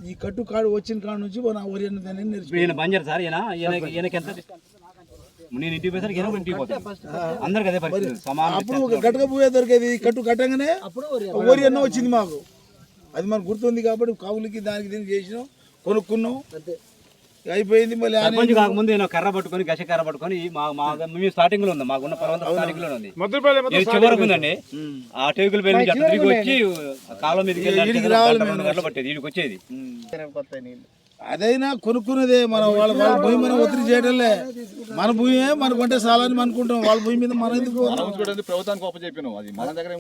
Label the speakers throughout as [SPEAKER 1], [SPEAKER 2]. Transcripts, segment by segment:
[SPEAKER 1] ఈ కట్టు కాడు వచ్చిన కాడ నుంచి మన వరి అన్నదాన్ని
[SPEAKER 2] ఈయన బంజర్ సార్ ఈయనకి ఎంత నేను ఇంటికి పోయేసరికి ఈయన ఇంటికి పోతాను అందరికి అదే పరిస్థితి సమానం.
[SPEAKER 1] అప్పుడు గట్టక పోయే దొరికేది కట్టు కట్టంగానే వరి అన్న వచ్చింది మాకు. అది మనకు గుర్తుంది కాబట్టి కావులకి దానికి దీనికి చేసినాం, కొనుక్కున్నాం, అయిపోయింది. మళ్ళీ
[SPEAKER 2] సర్పంచ్ కాకముందు నేను కర్ర పట్టుకొని గస కర్ర పట్టుకొని మేము స్టార్టింగ్ లో ఉంది, మాకున్న పొలం స్టార్టింగ్ లో ఉంది, చివరకు ఉందండి. ఆ టేకుల పేరు నుంచి తిరిగి వచ్చి కాలం మీదకి వెళ్ళి పట్టేది వీడికి వచ్చేది.
[SPEAKER 1] అదైనా కొనుక్కున్నదే మనం వాళ్ళ భూమి మనం ఒత్తిడి చేయడంలే. మన భూమి మనకు అంటే చాలని అనుకుంటాం, వాళ్ళ భూమి మీద మనం ఎందుకు
[SPEAKER 3] ప్రభుత్వానికి ఒప్ప చెప్పినాం, అది మన దగ్గర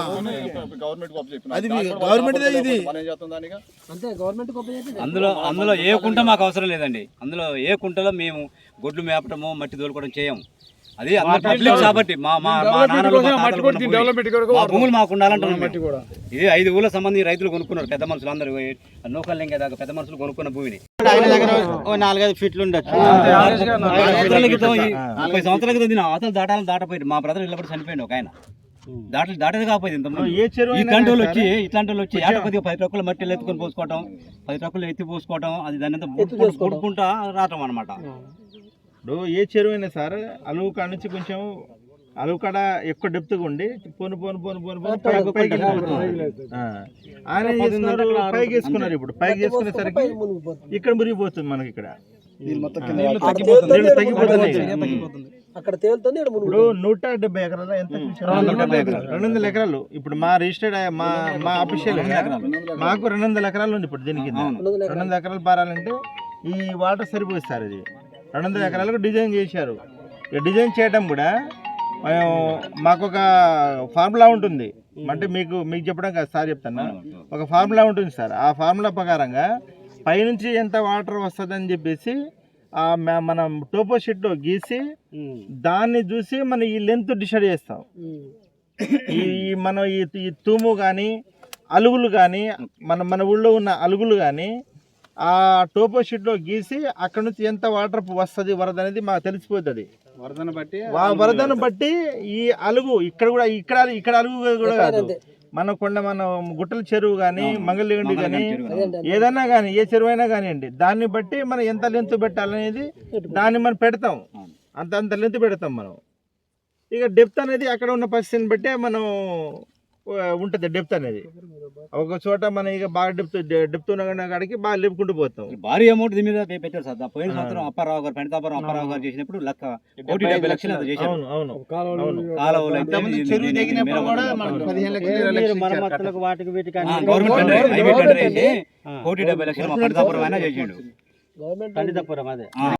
[SPEAKER 1] అది గవర్నమెంట్ ఇది.
[SPEAKER 2] అందులో ఏ కుంట మాకు అవసరం లేదండి. అందులో ఏ కుంటలో మేము గొడ్లు మేపటము మట్టి తోలుకోవడం చేయము. అది పబ్లిక్ కాబట్టి మా భూములు మాకు ఉండాలంటున్నాం. ఇది 5 ఊళ్ళ సంబంధించి రైతులు కొనుక్కున్నారు, పెద్ద మనుషులు అందరూ నూకలు లింగే దాకా పెద్ద మనుషులు కొనుక్కున్న భూమిని.
[SPEAKER 4] 4-5 ఫీట్లు ఉండొచ్చు.
[SPEAKER 2] 30 సంవత్సరాల క్రితం అవతలు దాటపోయింది. మా బ్రదర్ ఇళ్ళప్పుడు చనిపోయింది ఒక ఆయన. దాటది కాకపోయింది. ఇట్లాంటి వాళ్ళు వచ్చి ఏట కొద్దిగా 10 ట్రక్కులు మట్టి ఎత్తుకొని పోసుకోవటం, 10 ట్రక్కులు ఎత్తి పోసుకోవటం, అది దాని అంతా కొడుకుంటా రావటం అనమాట.
[SPEAKER 4] ఇప్పుడు ఏ చెరువు అయినా సార్ అలువు కాడ నుంచి కొంచెం అలువు కాడ ఎక్కువ డెప్త్గా ఉండి పోను పైకి వేసుకున్నారు. ఇప్పుడు పైకి వేసుకునేసరికి ఇక్కడ మురిగిపోతుంది మనకి. ఇక్కడ
[SPEAKER 5] అక్కడ తేలుతుంది.
[SPEAKER 4] ఇప్పుడు 170 ఎకరాలు ఎంత 200 ఎకరాలు. ఇప్పుడు మా రిజిస్టర్డ్ మా అఫీషియల్ మాకు 200 ఎకరాలు ఉంది. ఇప్పుడు దీనికి 200 ఎకరాలు పారాలంటే ఈ వాటర్ సరిపోతుంది సార్. ఇది 200 ఎకరాలకు డిజైన్ చేశారు. డిజైన్ చేయడం కూడా మాకు ఒక ఫార్ములా ఉంటుంది. అంటే మీకు చెప్పడం కాదు సార్, చెప్తాను. ఒక ఫార్ములా ఉంటుంది సార్. ఆ ఫార్ములా ప్రకారంగా పైనుంచి ఎంత వాటర్ వస్తుందని చెప్పేసి మనం టోపో షీట్లో గీసి దాన్ని చూసి మనం ఈ లెంత్ డిసైడ్ చేస్తాం. మనం ఈ తూము కానీ అలుగులు కానీ మన ఊళ్ళో ఉన్న అలుగులు కానీ ఆ టోపో షీట్లో గీసి అక్కడ నుంచి ఎంత వాటర్ వస్తుంది వరద అనేది మాకు తెలిసిపోతుంది. వరదను బట్టి ఈ అలుగు ఇక్కడ అలుగు కూడా కాదు, మన గుట్టల చెరువు కానీ మంగళగిరి కానీ ఏదైనా కానీ ఏ చెరువు అయినా కానివ్వండి, దాన్ని బట్టి మనం ఎంత లెంత్ పెట్టాలనేది దాన్ని మనం పెడతాం. అంత లెంత్ పెడతాం మనం. ఇక డెప్త్ అనేది అక్కడ ఉన్న పరిస్థితిని బట్టే మనం ఉంటుంది. డెప్త్ అనేది ఒక చోట మనం ఇక బాగా డెప్త్ ఉన్న కాడికి బాగా లేపుకుంటూ పోతాం.
[SPEAKER 2] భారీ అమౌంట్ దీని మీద పెట్టారు సార్. పోయిన సంవత్సరం అప్పారావు గారు పెండతాపురం అప్పారావు గారు చేసినప్పుడు 1,70 లక్షలు అంత చేశారు.
[SPEAKER 4] మరమ్మతులకు వాటికి వీటికి
[SPEAKER 2] గవర్నమెంట్ 1,70 లక్షలు పెండతాపురం అయినా చేసిండు.
[SPEAKER 4] పెండతాపురం అదే